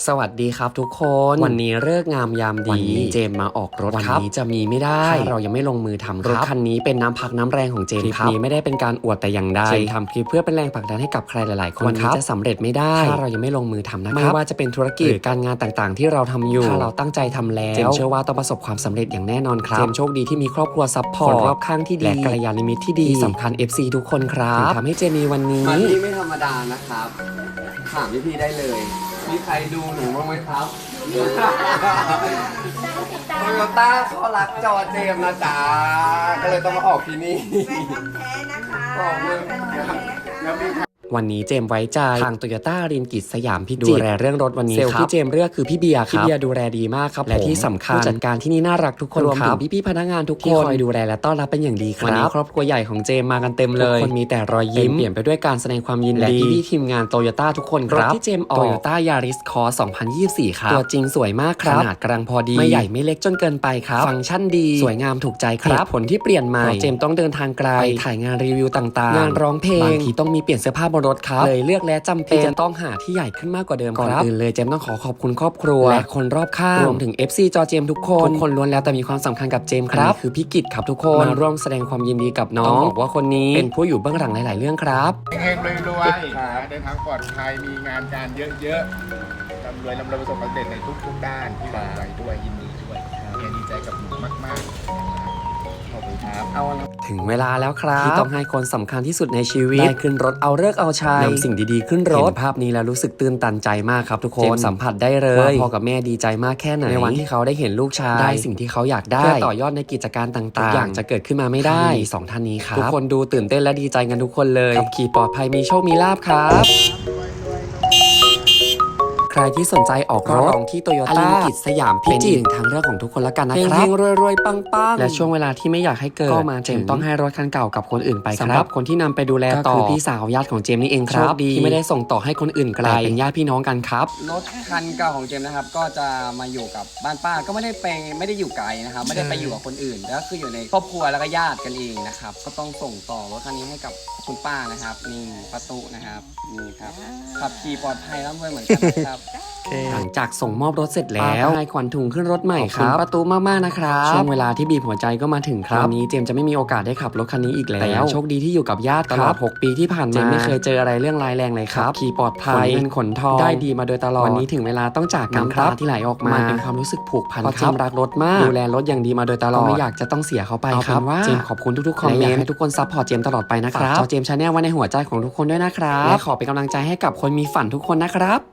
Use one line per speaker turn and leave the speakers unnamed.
สวัสดีครับทุกคนวันนี้เลิกงามยามดีวันนี้เจมมาออกรถครับวันนี้จะมีไม่ได้ถ้าเรายังไม่ลงมือทำรถคันนี้เป็นน้ำพักน้ำแรงของเจมครับคลิปนี้ไม่ได้เป็นการอวดแต่อย่างใดเจมทำคลิปเพื่อเป็นแรงผลักดันให้กับใครหลายๆคนวันนี้จะสำเร็จไม่ได้ถ้าเรายังไม่ลงมือทำนะครับไม่ว่าจะเป็นธุรกิจหรือการงานต่างๆที่เราทำอยู่ถ้าเราตั้งใจทำแล้วเจมเชื่อว่าต้องประสบความสำเร็จอย่างแน่นอนครับเจมโชคดีที่มีครอบครัวซัพพอร์ตคนรอบข้างที่ดีและกัลยาณมิตรที่ดีสำคัญ FC ทุกคนครับทำให้เจมีวันนี้ไม่ธรรมดานะครับถามพี่ๆได้เลยมีใครดูหนูบ้างไหมครับโตโยต้าเขารักจอเจมนะจ๊ะก็เลยต้องมาออกที่นี่
แฟนทำแท้นะคะ
ออกเลยแล้วมีวันนี้เจมไว้ใจทางโตโยต้ารินกิจสยามพิจิตรดูแลเรื่องรถวันนี้เซลล์ที่เจมเลือกคือพี่เบียร์ครับพี่เบียร์ดูแลดีมากครับและที่สำคัญผู้จัดการที่นี่น่ารักทุกคนรวมถึงพี่ๆพนักงานทุกคนที่คอยดูแลและต้อนรับเป็นอย่างดีครับวันนี้ครอบครัวใหญ่ของเจมมากันเต็มเลยทุกคนมีแต่รอยยิ้มเปลี่ยนไปด้วยการแสดงความยินดีและพี่ๆทีมงานโตโยต้าทุกคนครับรถที่เจมออกโตโยต้ายาริสคอร์2024ครับตัวจริงสวยมากครับขนาดกำลังพอดีไม่ใหญ่ไม่เล็กจนเกินไปครับฟังก์ชันดีสวยงามถูกใจครับผลที่เปลี่ยนใหม่เจมต้องเดินทางไกลไปถ่ายงานรีวิวต่างๆงานร้องเพลงบางทีต้องมีเปลี่ยนเสื้อผ้าบนรถครับเลยเลือกและจำเป็นจะต้องหาที่ใหญ่ขึ้นมากกว่าเดิมครับก่อนอื่นเลยเจมต้องขอบคุณครอบครัวและคนรอบข้างรวมถึง FC จอเจมทุกคนล้วนแล้วแต่มีความสำคัญกับเจมครับคือพี่กิตครับทุกคนมาร่วมแสดงความยินดีกับน้องบอกว่าคนนี้เป็นผู้อยู่เบื้องหลังหลายๆเรื่องครับ
เฮงๆรวยๆเดินทางปลอดภัยมีงานการเยอะๆร่ำรวยประสบความสำเร็จในทุกด้านที่เราไปด้วยยินดีด้วยดีใจกับหนูมากๆขอบคุณครับ
ถึงเวลาแล้วครับที่ต้องให้คนสำคัญที่สุดในชีวิตได้ขึ้นรถเอาฤกษ์เอาชัยนำสิ่งดีๆขึ้นรถเห็นภาพนี้แล้วรู้สึกตื่นตันใจมากครับทุกคนเจมสัมผัสได้เลยว่าพ่อกับแม่ดีใจมากแค่ไหนในวันที่เขาได้เห็นลูกชายได้สิ่งที่เขาอยากได้เพื่อต่อยอดในกิจการต่างๆทุกอย่างจะเกิดขึ้นมาไม่ได้สองท่านนี้ครับทุกคนดูตื่นเต้นและดีใจกันทุกคนเลยขับขี่ปลอดภัยมีโชคมีลาภครับใครที่สนใจออกรถที่โตโยต้ากิจสยามพิจิตรทางเลือกของทุกคนละกันนะครับเฮงๆรวยๆปังๆและช่วงเวลาที่ไม่อยากให้เกิดก็มาเจมต้องให้รถคันเก่ากับคนอื่นไปครับสำหรับคนที่นำไปดูแลต่อคือพี่สาวญาติของเจมนี่เองครับที่ไม่ได้ส่งต่อให้คนอื่นไกลเป็นญาติพี่น้องกันครับรถคันเก่าของเจมนะครับก็จะมาอยู่กับบ้านป้าก็ไม่ได้อยู่ไกลนะครับไม่ได้ไปอยู่กับคนอื่นก็คืออยู่ในครอบครัวแล้วก็ญาติกันเองนะครับก็ต้องส่งต่อรถคันนี้ให้กับคุณป้านะครับนี่ประตูนะครับนี่ครับขับขี่ปลอดภัยร่ำรวยเหมือนกันนะครับหลังจากส่งมอบรถเสร็จแล้วให้ขวัญถุงขึ้นรถใหม่ครับประตูมากๆนะครับช่วงเวลาที่บีบหัวใจก็มาถึงครับวันนี้เจมจะไม่มีโอกาสได้ขับรถคันนี้อีกแล้วโชคดีที่อยู่กับญาติตลอด6 ปีที่ผ่านมาเจมไม่เคยเจออะไรเรื่องร้ายแรงเลยครับขี่ปลอดภัยขนเงินขนทองได้ดีมาโดยตลอดวันนี้ถึงเวลาต้องจากกันครับที่ไหลออกมาเป็นความรู้สึกผูกพันครับเจมรักรถมากดูแลรถอย่างดีมาโดยตลอดไม่อยากจะต้องเสียเขาไปครับเจมขอบคุณทุกๆคอมเมนต์ให้ทุกคนซัพพอร์ตเจมตลอดไปนะครับฝากเจมชาแนลไว้ในหัวใจของทุกคนด้วยนะครับและขอเป็นกำลังใจให้กับคนมีฝันทุกคนนะครับ